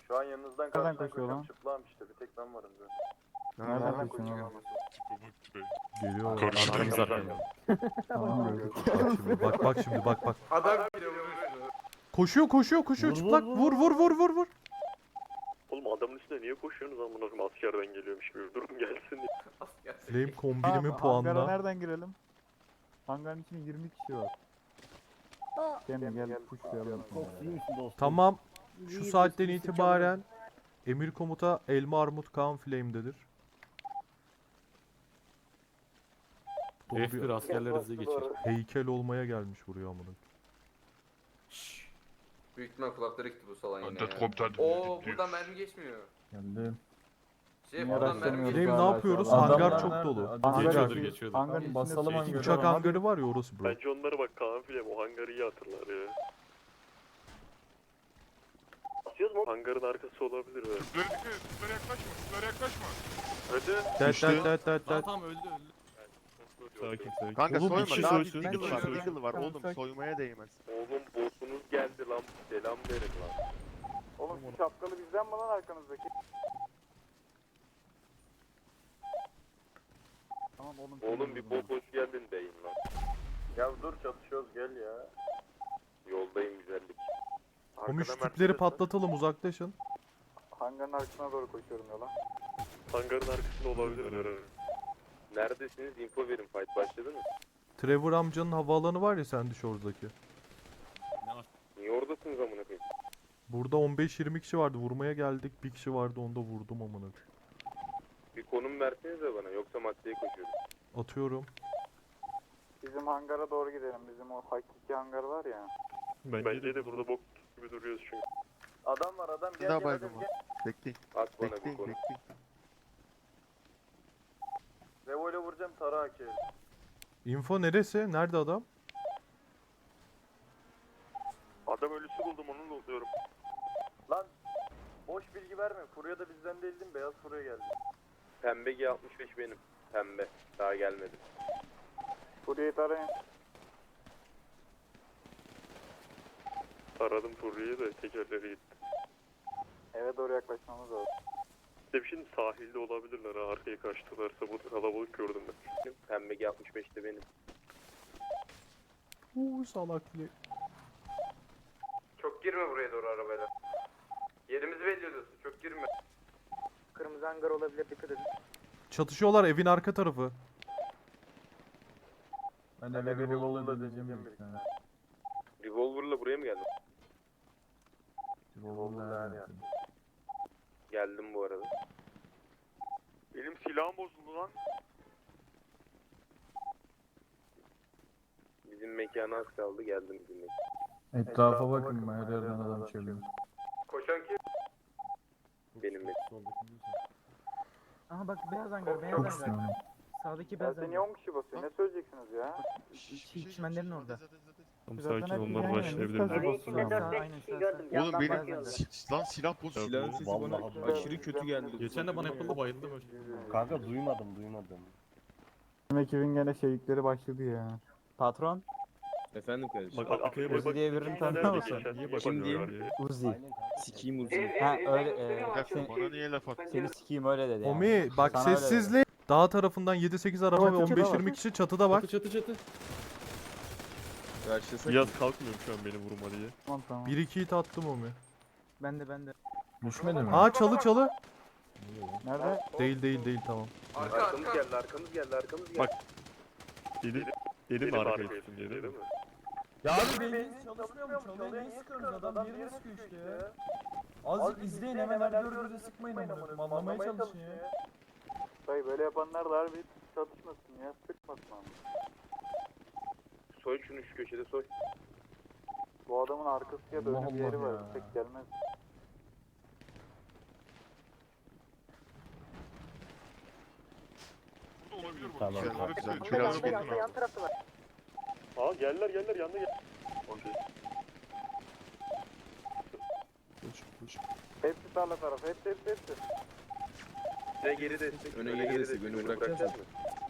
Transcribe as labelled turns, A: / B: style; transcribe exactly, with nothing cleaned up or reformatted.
A: Şu an yanınızdan
B: Nereden
A: karşıdan
B: koşuyor
A: koşuyorum.
B: lan?
A: Çıplağım işte. Bir tek ben varım zaten.
B: Nereden koşuyorsun oğlum?
C: Geliyor.
D: Arkamız arkamız.
B: Tamam gördük.
C: Bak şimdi bak bak şimdi bak bak.
E: Adam geliyor vuruyor şunu.
C: Koşuyor koşuyor koşuyor çıplak. Vur vur vur vur vur.
F: Oğlum adamın üstüne niye koşuyorsunuz amına koyayım, askerden geliyormuş gibi durum gelsin diye.
E: Asker.
C: Flame kombinimi
B: Hangara
C: puanla.
B: nereden girelim? Hangarın içinde yirmi kişi var. Gel gel pushlayalım.
C: Tamam. Şu saatten itibaren emir komuta Elma Armut Kaan Flame'dedir. Dolu
D: F bir
C: bir
D: askerler hızlı geçer.
C: heykel olmaya gelmiş buraya amına.
E: Büyük ihtimal kulakları gitti bu salon yine
G: Antet
E: ya.
G: komutan.
E: Oo buradan mermi geçmiyor.
B: Geldim.
E: Şey
B: Niye
E: buradan mermi
B: araştırmıyoruz
C: Flame
E: geçmiyor.
C: ne
B: hala
C: yapıyoruz?
B: şu an?
C: Hangar
B: Adamlar
C: çok
B: nerede?
C: dolu.
B: Hangar
D: Geçiyordur,
B: içi-
D: geçiyordur.
B: Hangarın içinde
H: Basalım
B: sürekli-
H: hangarı.
C: Uçak hangarı var ya orası bro.
F: Bence onlara bak, Kaan Filem o hangarı iyi hatırlar ya. Atıyoruz mu? Hangarın arkası olabilir be.
G: Tüplere dikkat et. Tüplere yaklaşma. Tüplere yaklaşma.
F: Hadi.
C: Dat dat dat dat dat.
D: Tamam öldü öldü.
F: Sakin sakin.
G: Kanka
D: Oğlum, bir
G: soyma.
D: kişi
G: Daha bir
D: soysun,
G: deagle
D: bir
G: var.
D: kişi
G: Deagle var.
B: Tamam,
G: Oğlum
B: sakin.
G: soymaya değmez.
F: Oğlum boss'unuz geldi lan, selam verin lan.
B: Oğlum şu şapkalı bizden mi lan arkanızdaki? Tamam oğlum.
F: Oğlum bir bok hoş geldin deyin lan.
A: Ya dur çatışıyoruz gel ya.
F: Yoldayım güzellik.
C: Komuş
F: Arkada
C: tüpleri
F: Mercedes var.
C: patlatalım uzaklaşın.
B: Hangarın arkasına doğru koşuyorum yola.
F: Hangarın arkasında olabilir herhalde. Neredesiniz? Info verin. Fight başladı mı?
C: Trevor amcanın havaalanı var ya Sandy Shores'daki.
F: Niye oradasınız amına koyayım?
C: Burada on beş yirmi kişi vardı. Vurmaya geldik. Bir kişi vardı onu da vurdum amına.
F: Bir konum versenize bana, yoksa maddeye koşuyorum.
C: Atıyorum.
B: Bizim hangara doğru gidelim. Bizim o hakiki hangar var ya.
F: Bence, de burada bok gibi duruyoruz çünkü.
A: Adam var adam
G: Bir
A: gel
G: daha
A: gel
G: baygın
A: hadi
G: var.
A: gel.
G: Bekleyin.
F: At bana bir
G: Bekleyin.
F: konum.
G: Bekleyin.
A: Revo ile vuracağım Tara Aki.
C: Info neresi? Nerede adam?
F: Adam ölüsü buldum, onu lootluyorum.
A: Lan boş bilgi verme. Furya da bizden değildin. Beyaz Furya geldi.
F: Pembe G altmış beş benim. Pembe. Daha gelmedi.
B: Furya'yı tarayın.
F: Aradım Furri'yi de tekerleri gitti.
B: Eve doğru yaklaşmamız lazım.
F: İşte şimdi sahilde olabilirler ha, arkaya kaçtılarsa, bu kalabalık gördüm ben. Pembe G altmış beş de benim.
C: Uuu salak Flame.
E: Çok girme buraya doğru arabayla. Yerimizi belli ediyorsun. Çok girme.
B: Kırmızı hangar olabilir dikkat edin.
C: Çatışıyorlar evin arka tarafı.
B: Ben
A: de eve revolver'la döneceğim bir tane.
F: Revolver'la buraya mı geldin?
A: Revolver'la ya.
F: Geldim bu arada. Benim silahım bozuldu lan. Bizim mekana az kaldı, geldim bizim mekana.
B: Etrafa bakın ben her yerden adam çeviriyorum.
E: Koşan kim?
F: Benim mekan.
I: Aha bak beyaz hangar, beyaz hangar. Sağdaki beyaz
B: Seni
I: hangar.
B: on kişi basıyor. Ne söyleyeceksiniz ya?
I: İç- içmenlerin orada.
D: Tamam
B: Zaten
D: sakin
B: hep
D: onlar
B: aynen,
D: başlayabilirler.
B: lütfen basın
I: Sağ,
B: abi.
I: aynen sağ, sağ.
G: Oğlum
I: Beyaz
G: benim
I: hangar.
G: si- lan silah bozuldu.
D: Silahın
H: sesi bana aşırı kötü geldi.
D: Geçen de bana yapıldı, bayıldım.
H: Kanka duymadım duymadım.
B: Bizim ekibin gene şeylikleri başladı ya. Patron?
H: Efendim kardeşim.
D: Bak arkaya bak.
B: Uzi diye birini tanıyor musun?
D: Niye
H: Kim
D: bakmıyor
H: diye?
D: ya?
B: Uzi.
H: Sikiyim uzun.
B: Ha öyle e,
G: Bak,
B: seni,
G: bana niye laf attın?
B: seni sikeyim öyle dedi yani.
C: Omi bak
B: Sana öyle
C: sessizliği. Dağ tarafından yedi sekiz araba ve
B: Çatıda
C: on beş
B: var.
C: yirmi kişi çatıda bak.
D: Çatı çatı çatı.
H: Karşısak.
D: Yaz kalkmıyorum şu an beni vurma diye.
B: Tamam tamam.
C: bir iki hit attım Omi.
I: Ben de ben de.
B: Düşmedi mi?
C: Aa çalı çalı.
B: Nerede?
C: Değil değil değil tamam.
E: Arka
F: Arkamız
E: arka.
F: geldi, arkamız geldi, arkamız geldi.
D: Bak, Elim, elim
F: Benim
D: arkaya
F: arkaya
D: tutsun diye değil mi?
J: Ya abi beyniniz çalışmıyor mu? Çalıyor niye sıkıyorsunuz? Adam yerine sıkıyor işte ya. Azıcık izleyin hemen her gördüğünüzde sıkmayın amına koyayım. Anlamaya çalışın ya.
B: Dayı böyle yapanlar da harbi çatışmasın ya. Sıkmasın ama.
F: Soy şunu, şu köşede soy.
B: Bu adamın arkası ya da önü bir yeri var.
J: ya.
B: Tek gelmez.
G: Burada olabilir bu.
H: Tamam,
G: Kenarı
H: tamam.
G: bize biraz bakın abi.
F: Aa geldiler geldiler, yanına gel. Okey.
D: Koş koş.
B: Hepsi tarla tarafı. Hepsi hepsi hepsi.
F: Size geri destek.
H: Öne geri destek, önü bırakacağız mı?